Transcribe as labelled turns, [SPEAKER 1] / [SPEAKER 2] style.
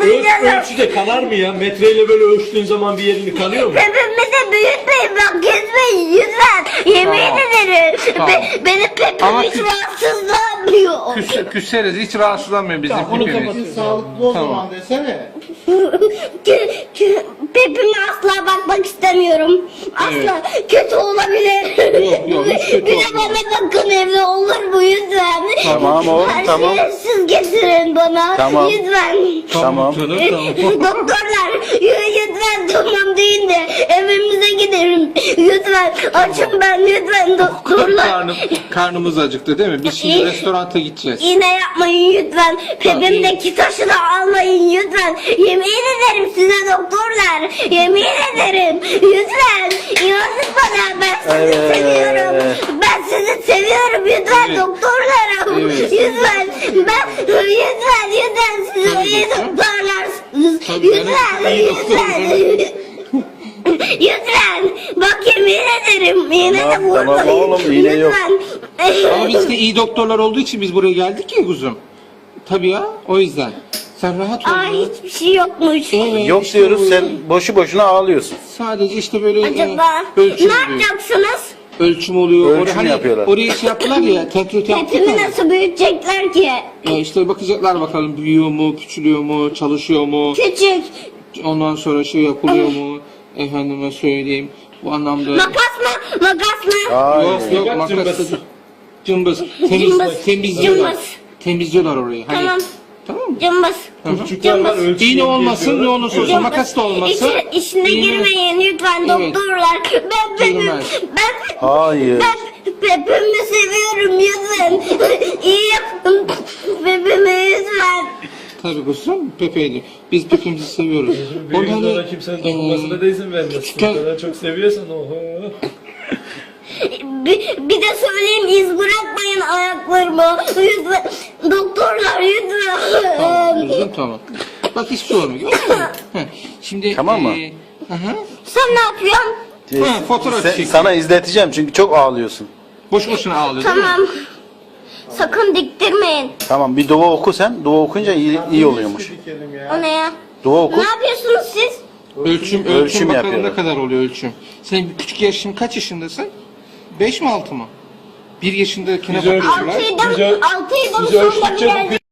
[SPEAKER 1] Ölçüde kanar mı ya? Metreyle böyle ölçtüğün zaman bir yerini kanıyor mu?
[SPEAKER 2] Pepimizi büyütmeyin bak kesmeyin lütfen. Yemin ederim.
[SPEAKER 3] Tamam.
[SPEAKER 2] Benim pepim
[SPEAKER 3] Ama
[SPEAKER 2] hiç rahatsızlanmıyor.
[SPEAKER 3] Küseriz, hiç rahatsızlanmıyor bizim
[SPEAKER 1] Tamam, bunu
[SPEAKER 3] pipimiz.
[SPEAKER 1] kapatın.
[SPEAKER 4] Sağlıklı o
[SPEAKER 3] Tamam.
[SPEAKER 4] zaman desene.
[SPEAKER 2] Pepime asla bakmak istemiyorum. Asla kötü olabilir.
[SPEAKER 3] Yok, hiç kötü
[SPEAKER 2] Bir de
[SPEAKER 3] olmaz.
[SPEAKER 2] bana bakın evde olur mu lütfen?
[SPEAKER 5] Tamam oğlum,
[SPEAKER 2] Her
[SPEAKER 5] tamam.
[SPEAKER 2] şeyi siz getirin bana.
[SPEAKER 5] Tamam.
[SPEAKER 2] Lütfen.
[SPEAKER 5] Tamam.
[SPEAKER 1] Canım, tamam.
[SPEAKER 2] Doktorlar lütfen tamam deyin de evimize gidelim. Lütfen açın ben lütfen doktorlar.
[SPEAKER 3] Karnımız acıktı değil mi? Biz şimdi restoranta gideceğiz.
[SPEAKER 2] Yine yapmayın lütfen. Pepimdeki taşı da almayın lütfen. Yemin ederim size doktorlar. Yemin ederim. Lütfen. İnanın bana ben sizi seviyorum. Ben sizi seviyorum lütfen
[SPEAKER 3] Evet.
[SPEAKER 2] doktorlar.
[SPEAKER 3] Evet.
[SPEAKER 2] Lütfen. Lütfen siz
[SPEAKER 3] Tabii
[SPEAKER 2] iyi
[SPEAKER 3] doktor.
[SPEAKER 2] doktorlarsınız.
[SPEAKER 3] Tabii ben
[SPEAKER 2] Lütfen.
[SPEAKER 3] iyi doktorum.
[SPEAKER 2] Lütfen. Bak yemin ederim. Yine de
[SPEAKER 5] Tamam,
[SPEAKER 2] vurmayın.
[SPEAKER 5] tamam oğlum, iğne yok.
[SPEAKER 2] Lütfen.
[SPEAKER 3] Ama biz de iyi doktorlar olduğu için biz buraya geldik ya kuzum. Tabii ya, o yüzden. Sen rahat ol.
[SPEAKER 2] Aa
[SPEAKER 3] ya.
[SPEAKER 2] hiçbir şey yokmuş.
[SPEAKER 3] Evet,
[SPEAKER 5] Yok
[SPEAKER 3] işte
[SPEAKER 5] diyoruz,
[SPEAKER 3] bu-
[SPEAKER 5] sen boşu boşuna ağlıyorsun.
[SPEAKER 3] Sadece işte böyle
[SPEAKER 2] Acaba
[SPEAKER 3] ölçüm
[SPEAKER 2] ne
[SPEAKER 3] oluyor.
[SPEAKER 2] yapacaksınız?
[SPEAKER 3] Ölçüm oluyor.
[SPEAKER 5] Ölçüm
[SPEAKER 3] Hani
[SPEAKER 5] yapıyorlar.
[SPEAKER 3] Oraya şey yaptılar ya, tekrar yaptılar
[SPEAKER 2] Pepimi
[SPEAKER 3] ya.
[SPEAKER 2] nasıl büyütecekler ki?
[SPEAKER 3] İşte bakacaklar bakalım büyüyor mu, küçülüyor mu, çalışıyor mu.
[SPEAKER 2] Küçük.
[SPEAKER 3] Ondan sonra şey yapılıyor mu? Efendime söyleyeyim. Bu anlamda.
[SPEAKER 2] Makas mı? Makas mı?
[SPEAKER 5] Hayır.
[SPEAKER 3] Yok
[SPEAKER 1] Cımbız.
[SPEAKER 3] makas. Cımbız.
[SPEAKER 2] Cımbız.
[SPEAKER 3] Temizliyorlar.
[SPEAKER 2] Cımbız.
[SPEAKER 3] Temizliyorlar orayı. Hani,
[SPEAKER 2] Tamam.
[SPEAKER 3] Tamam mı?
[SPEAKER 2] Cımbız.
[SPEAKER 1] Küçükler var ölçü.
[SPEAKER 3] İğne olmasın, ne olursa olsun.
[SPEAKER 2] Cımbız.
[SPEAKER 3] Makas da olmasın.
[SPEAKER 2] İçine
[SPEAKER 3] İğne-
[SPEAKER 2] girmeyin lütfen
[SPEAKER 3] Evet.
[SPEAKER 2] doktorlar. Ben pepimi,
[SPEAKER 3] Girmez.
[SPEAKER 5] Hayır.
[SPEAKER 2] ben pepimi seviyorum lütfen. İyi yapın pepimi lütfen.
[SPEAKER 3] Tabii kuzum, Pepe'ydi. Biz Pepe'mizi seviyoruz.
[SPEAKER 1] Büyük
[SPEAKER 3] Onu
[SPEAKER 1] sonra kimsenin dokunmasına da izin vermezsin.
[SPEAKER 3] küçükken-
[SPEAKER 1] O kadar çok seviyorsan oho.
[SPEAKER 2] Bir de söyleyeyim iz bırakmayın ayaklarımı. Lütfen. Doktorlar lütfen.
[SPEAKER 3] Tamam, kuzum, tamam. Bak hiçbir şey olmuyor. Gördün mü? Heh, Şimdi
[SPEAKER 5] Tamam mı?
[SPEAKER 3] Aha.
[SPEAKER 2] Sen ne yapıyorsun?
[SPEAKER 3] Ha, fotoğraf çekiyor.
[SPEAKER 5] Sana izleteceğim çünkü çok ağlıyorsun.
[SPEAKER 3] Boş boşuna ağlıyor değil mi?
[SPEAKER 2] Tamam. Sakın diktirmeyin.
[SPEAKER 5] Tamam, bir dua oku sen. Dua okuyunca iyi oluyormuş.
[SPEAKER 4] Dikelim ya.
[SPEAKER 2] O ne ya?
[SPEAKER 5] Dua oku.
[SPEAKER 2] Ne yapıyorsunuz siz?
[SPEAKER 3] Ölçüm
[SPEAKER 5] Ölçüm
[SPEAKER 3] bakalım
[SPEAKER 5] yapıyorum.
[SPEAKER 3] ne kadar oluyor ölçüm. Sen küçük yaşın kaç yaşındasın? 5 mi 6 mı? 1 yaşındakine
[SPEAKER 1] Biz ölçüm-
[SPEAKER 3] bakıyorlar.
[SPEAKER 2] Altıydım.
[SPEAKER 1] Biz
[SPEAKER 2] Altıydım
[SPEAKER 1] biz
[SPEAKER 2] sonra
[SPEAKER 1] ölçtükçe
[SPEAKER 2] bir geldi.